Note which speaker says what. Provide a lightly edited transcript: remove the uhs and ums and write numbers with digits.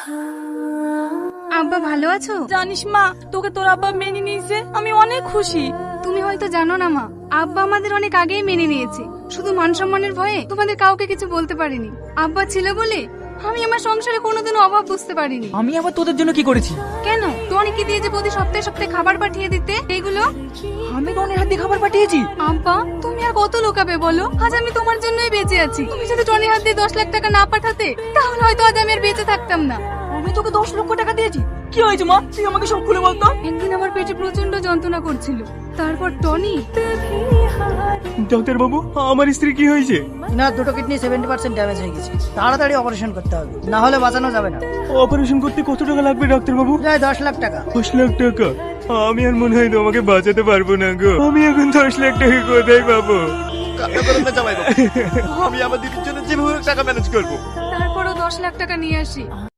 Speaker 1: আব্বা ভালো আছো?
Speaker 2: জানিস মা, তোকে তোর আব্বা মেনে নিয়েছে, আমি অনেক খুশি।
Speaker 1: তুমি হয়তো জানো না মা, আব্বা আমাদের অনেক আগেই মেনে নিয়েছে। শুধু মান সম্মানের ভয়ে তোমাদের কাউকে কিছু বলতে পারিনি। আব্বা ছিল বলে আমি আমার সংসারে কোনোদিনও অভাব বুঝতে পারিনি।
Speaker 3: আমি আবার তোদের জন্য কি করেছি?
Speaker 1: কেন টনিকে দিয়ে যে প্রতি সপ্তাহে সপ্তাহে খাবার পাঠিয়ে দিতে এগুলো?
Speaker 3: আমি টনির হাত দিয়ে খাবার পাঠিয়েছি?
Speaker 1: আব্বা তুমি আর কত লোকাবে বলো? আজ আমি তোমার জন্যই বেঁচে আছি। তুমি যদি টনির হাত দিয়ে 10 লাখ টাকা না পাঠাতে তাহলে হয়তো আজ আমি আর বেঁচে থাকতাম না।
Speaker 3: আমি তোকে 10 লক্ষ টাকা দিয়েছি। কি হয়েছে মা, তুই আমাকে সব খুলে বলতো।
Speaker 1: একদিন আমার পেটে প্রচন্ড যন্ত্রণা করছিল, তারপর টনি।
Speaker 4: ডাক্তার বাবু, আমার স্ত্রী কি হয়েছে?
Speaker 5: না, দুটো কিডনি 70% ড্যামেজ হয়ে গেছে, তাড়াতাড়ি অপারেশন করতে হবে, না হলে বাঁচানো যাবে না।
Speaker 4: অপারেশন করতে কত টাকা লাগবে ডাক্তার বাবু?
Speaker 5: প্রায় 10 লাখ টাকা।
Speaker 4: 10 লাখ টাকা? আমি আর মনে হয় তোমাকে বাঁচাতে পারবো না গো। আমি এখন 10 লাখ টাকা কোথায় পাবো?
Speaker 6: কান্না করেন না জামাই বাবু, আমি আমার দিদির জন্য যেভাবে হোক টাকা ম্যানেজ করবো।
Speaker 1: তারপরও 10 লাখ টাকা নিয়ে আসি।